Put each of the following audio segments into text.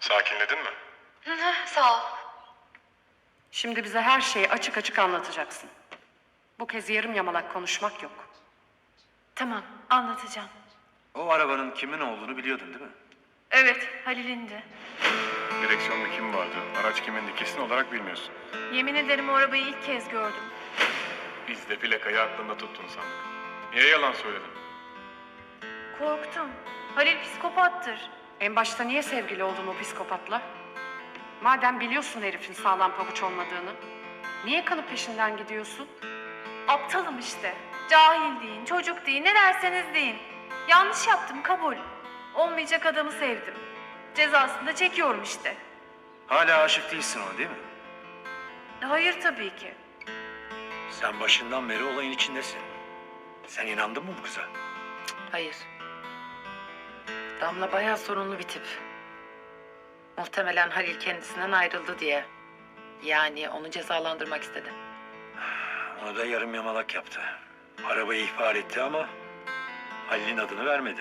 Sakinledin mi? Sağ ol. Şimdi bize her şeyi açık açık anlatacaksın. Bu kez yarım yamalak konuşmak yok. Tamam, anlatacağım. O arabanın kimin olduğunu biliyordun değil mi? Evet, Halil'indi. Direksiyonda kim vardı? Araç kimindi? Kesin olarak bilmiyorsun. Yemin ederim o arabayı ilk kez gördüm. Biz de plakayı aklında tuttun sandık. Niye yalan söyledin? Korktum. Halil psikopattır. En başta niye sevgili oldun o psikopatla? Madem biliyorsun herifin sağlam pabuç olmadığını, niye kanıp peşinden gidiyorsun? Aptalım işte. Cahil deyin, çocuk deyin, ne derseniz deyin. Yanlış yaptım, kabul. Olmayacak adamı sevdim. Cezasını da çekiyorum işte. Hala aşık değilsin ona değil mi? Hayır tabii ki. Sen başından beri olayın içindesin. Sen inandın mı bu kıza? Hayır. Damla bayağı sorunlu bir tip. Muhtemelen Halil kendisinden ayrıldı diye. Yani onu cezalandırmak istedi. Onu da yarım yamalak yaptı. Arabayı ihbar etti ama Halil'in adını vermedi.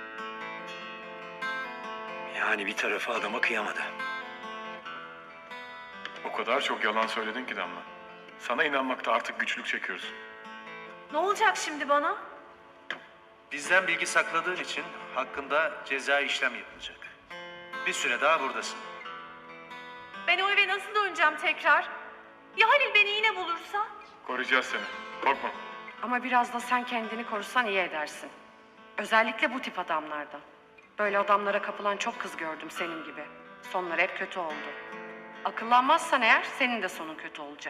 Yani bir tarafı adama kıyamadı. O kadar çok yalan söyledin ki Damla. Sana inanmakta artık güçlük çekiyoruz. Ne olacak şimdi bana? Bizden bilgi sakladığın için hakkında ceza işlem yapılacak. Bir süre daha buradasın. Ben o eve nasıl döneceğim tekrar? Ya Halil beni yine bulursa? Koruyacağız seni. Korkma. Ama biraz da sen kendini korusan iyi edersin. Özellikle bu tip adamlardan. Böyle adamlara kapılan çok kız gördüm senin gibi. Sonları hep kötü oldu. Akıllanmazsan eğer senin de sonun kötü olacak.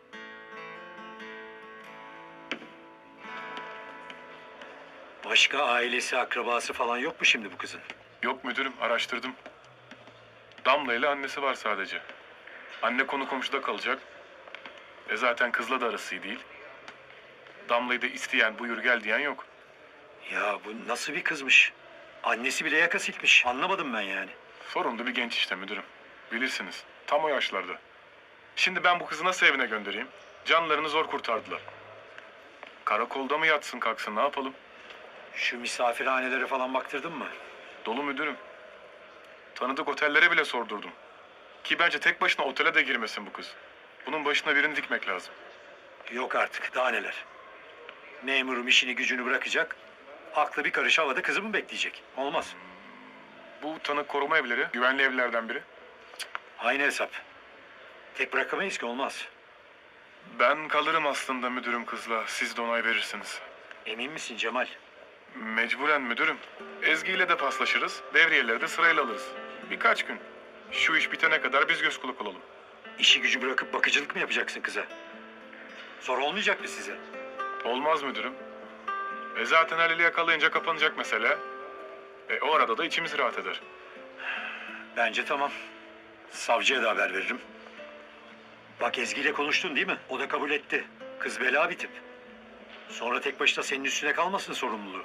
Başka ailesi, akrabası falan yok mu şimdi bu kızın? Yok müdürüm, araştırdım. Damla ile annesi var sadece. Anne konu komşuda kalacak. Zaten kızla da arası iyi değil. Damla'yı da isteyen, buyur gel diyen yok. Ya bu nasıl bir kızmış? Annesi bile yaka silkmiş. Anlamadım ben yani. Sorunlu bir genç işte müdürüm. Bilirsiniz. Tam o yaşlarda. Şimdi ben bu kızı nasıl evine göndereyim? Canlarını zor kurtardılar. Karakolda mı yatsın kalksın ne yapalım? Şu misafirhanelere falan baktırdın mı? Dolu müdürüm. Tanıdık otellere bile sordurdum. Ki bence tek başına otele de girmesin bu kız. Bunun başına birini dikmek lazım. Yok artık, daha neler. Memurum işini gücünü bırakacak. Aklı bir karış havada kızı mı bekleyecek? Olmaz. Bu tanık koruma evleri, güvenli evlerden biri. Aynı hesap. Tek bırakamayız ki, olmaz. Ben kalırım aslında müdürüm kızla. Siz de onay verirsiniz. Emin misin Cemal? Mecburen müdürüm. Ezgi ile de paslaşırız. Devriyeleri de sırayla alırız. Birkaç gün. Şu iş bitene kadar biz göz kulak olalım. İşi gücü bırakıp bakıcılık mı yapacaksın kıza? Zor olmayacak mı size? Olmaz müdürüm. Zaten Halil'i yakalayınca kapanacak mesele. O arada da içimiz rahat eder. Bence tamam. Savcıya da haber veririm. Bak Ezgi ile konuştun değil mi? O da kabul etti. Kız bela bir tip. Sonra tek başına senin üstüne kalmasın sorumluluğu.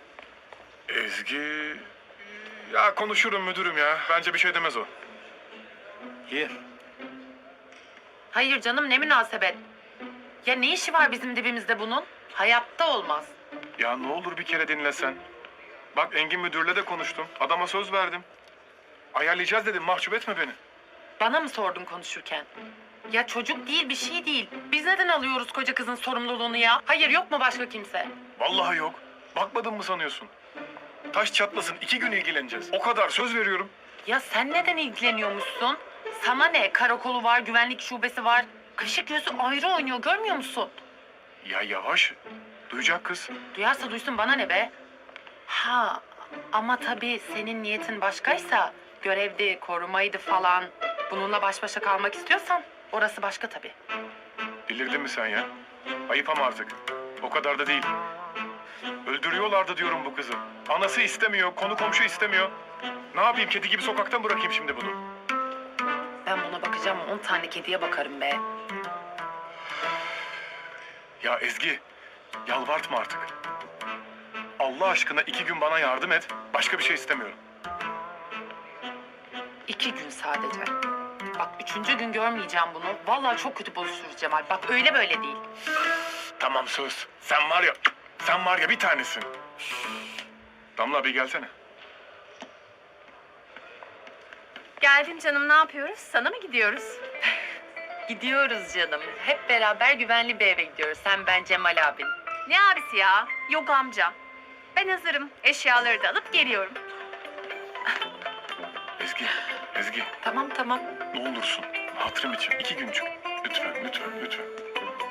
Ezgi... Ya konuşurum müdürüm ya. Bence bir şey demez o. İyi. Hayır canım, ne münasebet. Ya ne işi var bizim dibimizde bunun? Hayatta olmaz. Ya ne olur bir kere dinlesen. Bak Engin müdürle de konuştum. Adama söz verdim. Ayarlayacağız dedim. Mahcup etme beni. Bana mı sordun konuşurken? Ya çocuk değil, bir şey değil. Biz neden alıyoruz koca kızın sorumluluğunu ya? Hayır, yok mu başka kimse? Vallahi yok. Bakmadın mı sanıyorsun? Taş çatlasın 2 gün ilgileneceğiz. O kadar söz veriyorum. Ya sen neden ilgileniyormuşsun? Sana ne? Karakolu var, güvenlik şubesi var. Kaşı gözü ayrı oynuyor, görmüyor musun? Ya yavaş. Duyacak kız. Duyarsa duysun, bana ne be? Ha, ama tabii senin niyetin başkaysa, görevdi, korumaydı falan. Bununla baş başa kalmak istiyorsan orası başka tabii. Delirdin mi sen ya? Ayıp ama artık. O kadar da değil. Öldürüyorlardı diyorum bu kızı. Anası istemiyor, konu komşu istemiyor. Ne yapayım, kedi gibi sokakta mı bırakayım şimdi bunu? Ben buna bakacağım, 10 tane kediye bakarım be. Ya Ezgi, yalvartma artık. Allah aşkına 2 gün bana yardım et. Başka bir şey istemiyorum. 2 gün sadece. Bak 3. gün görmeyeceğim bunu. Vallahi çok kötü bozuşuruz Cemal. Bak öyle böyle değil. Tamam söz. Sen var ya bir tanesin. Damla bir gelsene. Geldim canım, ne yapıyoruz? Sana mı gidiyoruz? Gidiyoruz canım. Hep beraber güvenli bir eve gidiyoruz. Sen, ben, Cemal abin. Ne abisi ya? Yok amca. Ben hazırım. Eşyaları da alıp geliyorum. Ezgi, Ezgi Tamam. ne olursun. Hatırım için 2 güncük. Lütfen.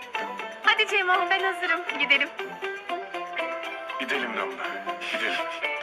Hadi Cemo, ben hazırım. Gidelim. Gidelim Damla, gidelim.